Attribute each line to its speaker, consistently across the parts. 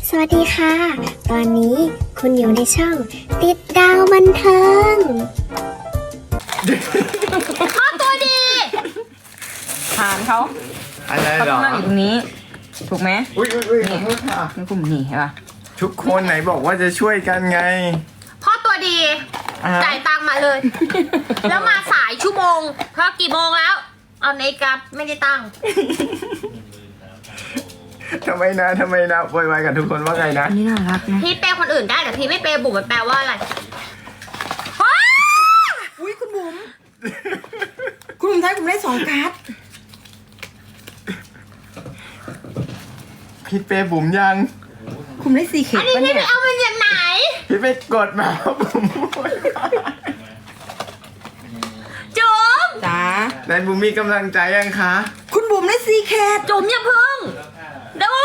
Speaker 1: สวัสดีค่ะ ตอนนี้คุณอยู่ในช่องติดดาวบันเทิง
Speaker 2: พ่อตัวดีฐานเขา
Speaker 3: อะไร
Speaker 2: เขา
Speaker 3: เหร
Speaker 2: ต้อ
Speaker 3: อง
Speaker 2: นั่งอยู่ตรงนี้ ถูกไหม
Speaker 3: อุ้ยขอโทษค่ะ
Speaker 2: นี่กลุ่มนี่เห็นปะ
Speaker 3: ทุกคนไหนบอกว่าจะช่วยกันไง
Speaker 4: พ่อตัวดี
Speaker 3: อ่ะ
Speaker 4: จ่ายตังค์มาเลย แล้วมาสายชั่วโมงเพราะกี่โมงแล้ว เอาในกับไม่ได้ตังค์
Speaker 3: ทำไมนะโวยวายกับทุกคนว่าไงนะ
Speaker 2: อันนี้น่ารักนะ
Speaker 4: พี่เปย์คนอื่นได้แต่พี่ไม่เปย์บุ๋มมันแปลว่าอะไร
Speaker 2: อุ้ยคุณบุ๋มคุณบุ๋มไทยผมได้2 การ์ด
Speaker 3: พี่เป้บุ๋มยัง
Speaker 2: คุณได้4 เข็ม
Speaker 4: อันนี้
Speaker 2: ปะ
Speaker 4: พี่
Speaker 2: เนี่
Speaker 4: ไป
Speaker 2: ย
Speaker 4: เอามาจากไหน
Speaker 3: พี่ไปกดมาบุ๋ม
Speaker 4: จุ๋ม
Speaker 2: จ้า
Speaker 3: ไหนบุ๋มมีกำลังใจยังคะ
Speaker 2: คุณบุ๋มได้4 เข็ม
Speaker 4: จุ๋มอย่าพึ่งเดี๋ยว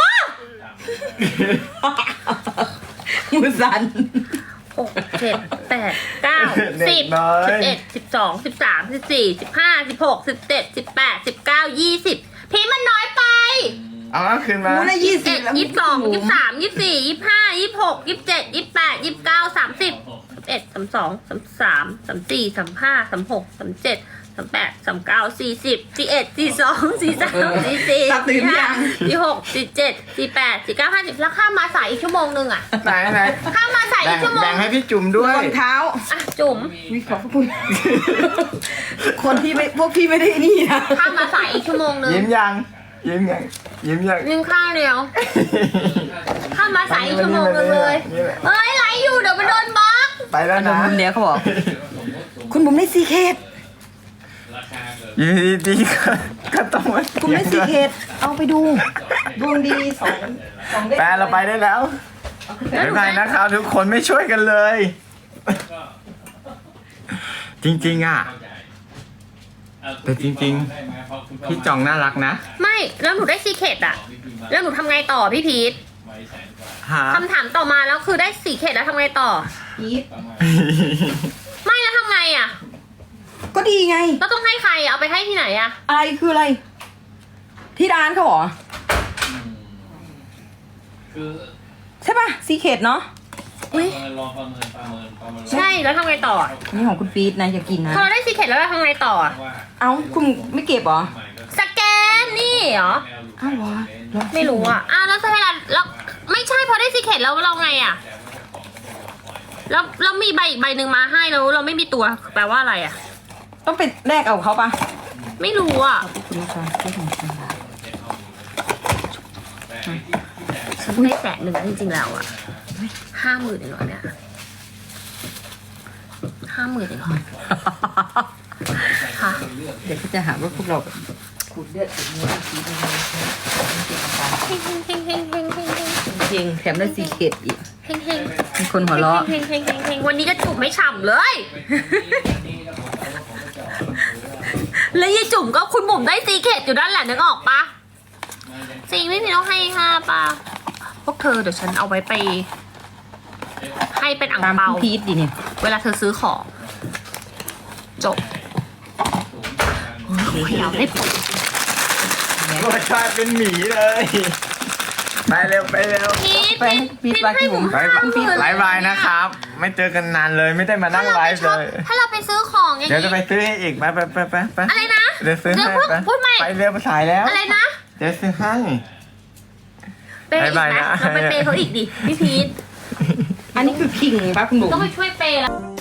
Speaker 2: มือสั่น
Speaker 4: 6 7 8 9 10 11 12 13 14 15 16 17 18 19 20พี่มันน้อยไป
Speaker 3: เอาคืนมา
Speaker 2: มูได้20แล้ว
Speaker 4: 22 23 24 25 26 27 28 29 30 31 32 33 34 35 36 37 38 39 40 41 42 43 44
Speaker 2: ตัดตื่นยัง
Speaker 4: 46 47 48 49 50แล้วข้ามมาสายอีกชั่วโมงนึงอ่ะ
Speaker 3: ไหน
Speaker 4: ข้ามมาสายอีกชั่วโมง
Speaker 3: แบ่งให้พี่จุ๋มด้วย
Speaker 2: รองเท้า
Speaker 4: อ่ะจุ๋ม
Speaker 2: วิขอบพระคุณ คนที่ไม่พวกพี่ไม่ได้นี่นะ
Speaker 4: ข้ามมาสายอีกชั่วโมงนึง
Speaker 3: ยิ้มยังยิ้มยัง
Speaker 4: ยิงข้างเดียวข้ามมาสายอีกชั่วโมงนึงเลยเอ้ยไลฟ์อยู่เดี๋ยวมันโดนบล็อก
Speaker 3: ไปแล้ว
Speaker 2: โดน
Speaker 3: นะ
Speaker 2: บุ๋มเดียวเขาบอก คุณบุ๋มได้4 เข็ม
Speaker 3: อยู่ดีๆก็ต้องมา
Speaker 2: คุณได้4 เข็มเอาไปดู ดวงดีสองได้
Speaker 3: แปลเราไปได้แล้วบ๊ายบายนะครับทุกคนไม่ช่วยกันเลย จริงๆอ่ะ แต่จริงๆพี่จ่องน่ารักนะ
Speaker 4: ไม่แล้วหนูได้ซีเคดอะแล้วหนูทำไงต่อพี่พีท
Speaker 3: ฮะ
Speaker 4: คำถามต่อมาแล้วคือได้ซีเคดแล้วทำไงต่อ
Speaker 2: พีท
Speaker 4: ไม่แล้วทำไงอะ
Speaker 2: ก็ดีไง
Speaker 4: เราต้องให้ใครอะเอาไปให้ที่ไหนอะ
Speaker 2: อะไรคืออะไร ที่ร้านเขาเหรอ
Speaker 5: คือ
Speaker 2: ใช่ป่ะซีเคดเนาะ
Speaker 4: อุ้ย
Speaker 5: ลองประเมิน
Speaker 4: ใช่แล้วทำไงต่ออะ
Speaker 2: นี่ของคุณปี๊ดนะอย่ากินนะ
Speaker 4: พอเราได้ซีเคดแล้วเราทำไงต่ออะ
Speaker 5: ว่า
Speaker 2: เอ้าคุณไม่เก็บเหรอ
Speaker 4: สแกนนี่เหรอ
Speaker 2: อ้าวเหรอ
Speaker 4: ไม่รู้อะอ้าวแล้วเวลาแล้วไม่ใช่พอได้ซีเคดแล้วเราไงอะแล้วเรามีใบอีกใบหนึ่งมาให้แล้วเราไม่มีตัวแปลว่าอะไรอะ
Speaker 2: ต้องไปแลกเอาเขาป่ะ
Speaker 4: ไม่รู้อะ
Speaker 2: คุณลูกค้าที่ของฉัน
Speaker 4: ฉันได้100,000นะจริงๆแล้วอะ50,000เองเหรอเนี่ย50,000เองเหรอค่ะ
Speaker 2: เดี๋ยวเขาจะหาว่าพวกเราแบบขูดเลือดขูดเนื้อขูดอะไร
Speaker 4: เฮงเฮงเฮงเฮงเฮงเฮงเฮง
Speaker 2: จริงแถมได้ซีเคดอีก
Speaker 4: เฮงเฮง
Speaker 2: มีคนหัวเราะ
Speaker 4: เฮงเฮงเฮงเฮงวันนี้ก็จุ่มไม่ฉ่ำเลย แล้วยายจุ่มก็คุณบุ๋มได้ซีเคดอยู่ด้านแหละนึกออกปะซีไม่มีต้องให้5ปะพวกเธอเดี๋ยวฉันเอาไว้ไป ให้เป็นอ่าง
Speaker 2: ตาม
Speaker 4: เปา
Speaker 2: คุณพีทดิเนี่ย
Speaker 4: เวลาเธอซื้อของ จบเราได้ผล
Speaker 3: รสชาติเป็นหมีเลย ไปเร็ว
Speaker 2: ไปให้พีทไปที่ผม
Speaker 3: ไปไลฟ์บายนะครับ ไม่เจอกันนานเลยไม่ได้มานั่งไลฟ์เลย
Speaker 4: ถ้าเราไปซื้อของอย่าง
Speaker 3: เดี๋ยว
Speaker 4: นี้
Speaker 3: จะไปซื้อให้อีกไป
Speaker 4: อะไรนะ
Speaker 3: เดี๋ยวซื้อให้
Speaker 4: พูด
Speaker 3: ไป
Speaker 4: พูดใหม่
Speaker 3: ไปเร็วสายแล้ว
Speaker 4: อะไรนะ
Speaker 3: เดี๋ยวซื้อให้
Speaker 4: เปย์อีก
Speaker 3: บ๊าย
Speaker 4: ไหม
Speaker 3: บายนะ
Speaker 4: เราไปเปย์เขาอีกดิพี่พีท
Speaker 2: อันนี้คือคิงป่ะคุณบุ๋ม
Speaker 4: ต้องไปช่วยเปย์แล้ว